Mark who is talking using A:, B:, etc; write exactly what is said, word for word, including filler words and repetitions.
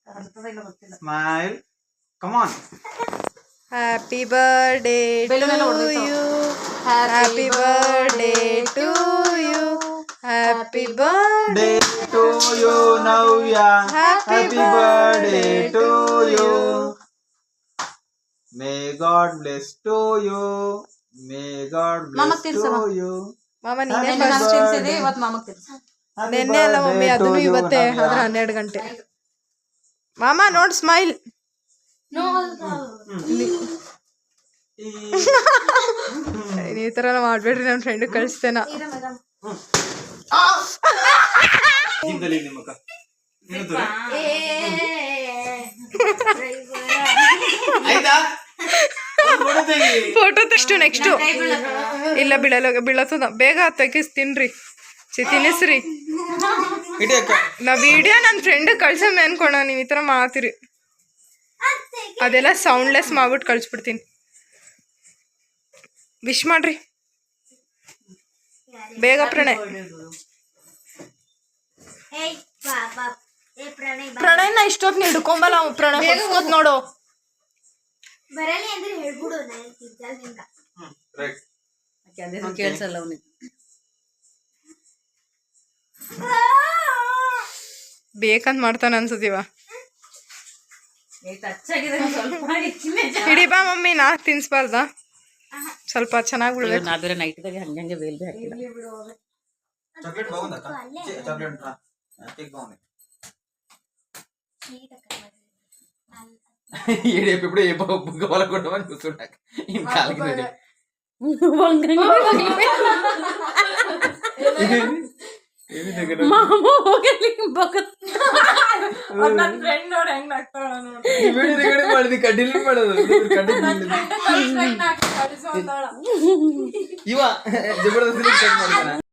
A: Smile. Come on.
B: Happy birthday to you. Happy birthday to you. Happy birthday
A: to you, Navya. Happy birthday to you. May God bless to you. May God bless to you.
B: ಮಾಮ ನೀನೇ ನೆನ್ನೆ ಅಲ್ಲ mummy ಅದನ್ನು ಇವತ್ತೇ ಆದ್ರೆ ಹನ್ನೆರಡು ಗಂಟೆ ಮಾಮ ನೋಡ್ ಸ್ಮೈಲ್ ಈ ತರ ಮಾಡ್ಬೇಡ್ರಿ ನನ್ನ ಫ್ರೆಂಡ್ ಕಳಿಸ್ತೇನ ಫೋಟೋ ತೆಷ್ಟು ನೆಕ್ಸ್ಟ್ ಇಲ್ಲ ಬೀಳಲ್ಲ ಬೀಳತ್ತದ ಬೇಗ ತೆಗಿಸ್ ತಿನ್ರಿ ಚಿ ತಿನ್ನಿಸ್ರಿ ನಾ ವಿಡಿಯೋ ನನ್ನ ಫ್ರೆಂಡ್ ಕಳ್ಸಮ್ಮೆ ಅನ್ಕೋಣ ನೀವು ಈ ಥರ ಮಾಡ್ತೀರಿ ಅದೆಲ್ಲ ಸೌಂಡ್ಲೆಸ್ ಮಾಡ್ಬಿಟ್ಟು ಕಳಿಸ್ಬಿಡ್ತೀನಿ ವಿಶ್ ಮಾಡ್ರಿ ಬೇಗ ಪ್ರಣಯ್ ಪ್ರಣಯ್ನ ಇಷ್ಟೊತ್ತು ಹಿಡ್ಕೊಂಬಲ್ಲ ಪ್ರಣಯ್ ಹೊಸ್ಕೋತ್ ನೋಡು
C: ಕೇಳಿಸಲ್ಲ ಅವನಿಗೆ
B: ಬೇಕಂತ ಮಾಡ್ತಾನೆ ಅನ್ಸತೀವ ಹಿಡಿ ಬಾ ಮಮ್ಮಿ ನಾ ತಿನ್ಸ್ಬಾರ್ದ ಸ್ವಲ್ಪ ಚೆನ್ನಾಗಿ ಬಿಡ್ಬೇಕು
C: ನಾ ಬೇರೆ ನೈಟ್ದಾಗ ಹಂಗಂಗೆ ಬೇಲ್ ಹಾಕಿಲ್ಲ
A: చాక్లెట్ బాగుందా చాక్లెట్ కేక్ బాగుంది ఏడు ఎప్పుడు ఏ బుగ్గ వాళ్ళ కొట్టమని చూస్తుంటాక ఏం కాలికి కడ్డీలు పడదు ఇవా జబర్దస్త్